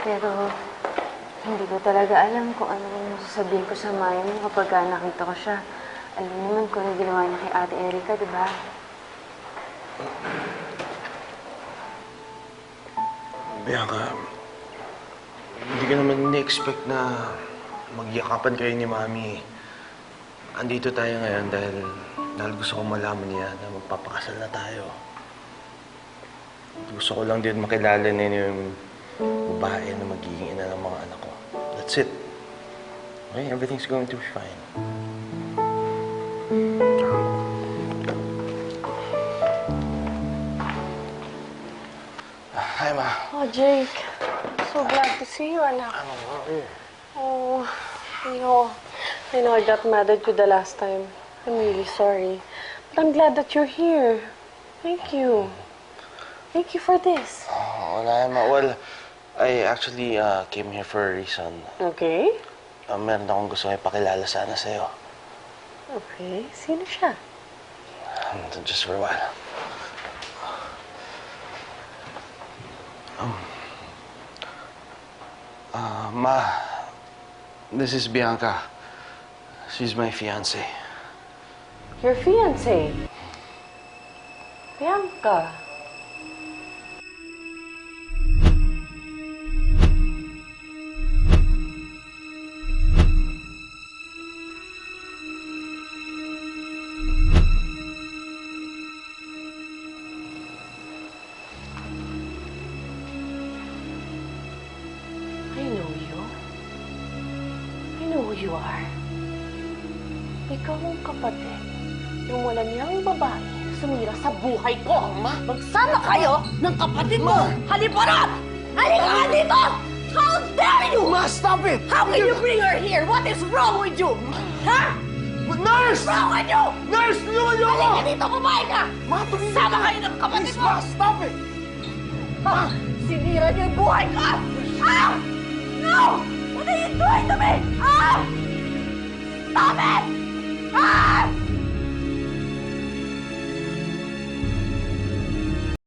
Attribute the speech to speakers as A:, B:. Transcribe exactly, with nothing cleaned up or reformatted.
A: Pero hindi ko talaga alam kung ano yung sasabihin ko sa mami mo kapag ka nakita ko siya. Alam naman kung ano ginawa niya kay Ate Erika, di ba?
B: Bianca, hindi ka naman ni-expect na magyakapan kayo ni Mami. Andito tayo ngayon dahil, dahil gusto ko malaman niya na magpapakasal na tayo. Gusto ko lang din makilala niya yung babae na magiging ina ng mga anak ko. That's it. Okay? Everything's going to be fine. Hi, Ma.
C: Oh, Jake. So glad to see you, anak. Oh, I know. I know I got mad at you the last time. I'm really sorry. But I'm glad that you're here. Thank you. Thank you for this.
B: Oh, wala, Ma. Well, I actually uh, came here for a reason.
C: Okay.
B: Uh, meron akong gusto ipakilala sana sa'yo.
C: Okay. Sino siya?
B: Um, just for a while. Um, uh, Ma, this is Bianca. She's my fiancé.
C: Your fiancé. Bianca. I know you. I know who you are. Ikaw ang kapatid ng wala niyang babae na sumira sa buhay ko.
D: Ma? Magsama kayo ng kapatid mo! Haliparot! Halika nga dito! How dare you!
B: Ma, stop it!
D: How can you bring her here? What is wrong with you? Ha?
B: Nurse!
D: What's wrong with you?
B: Nurse, tulungan niyo ako!
D: Halika dito, babae ka!
B: Ma, tumigil
D: Sama
B: ka!
D: kayo ng kapatid
B: Please,
D: mo!
B: Ma, stop it!
D: Ma! Sinira niyo yung buhay ko! Ah! No! What are you doing to me? Ah! Stop it! Ah!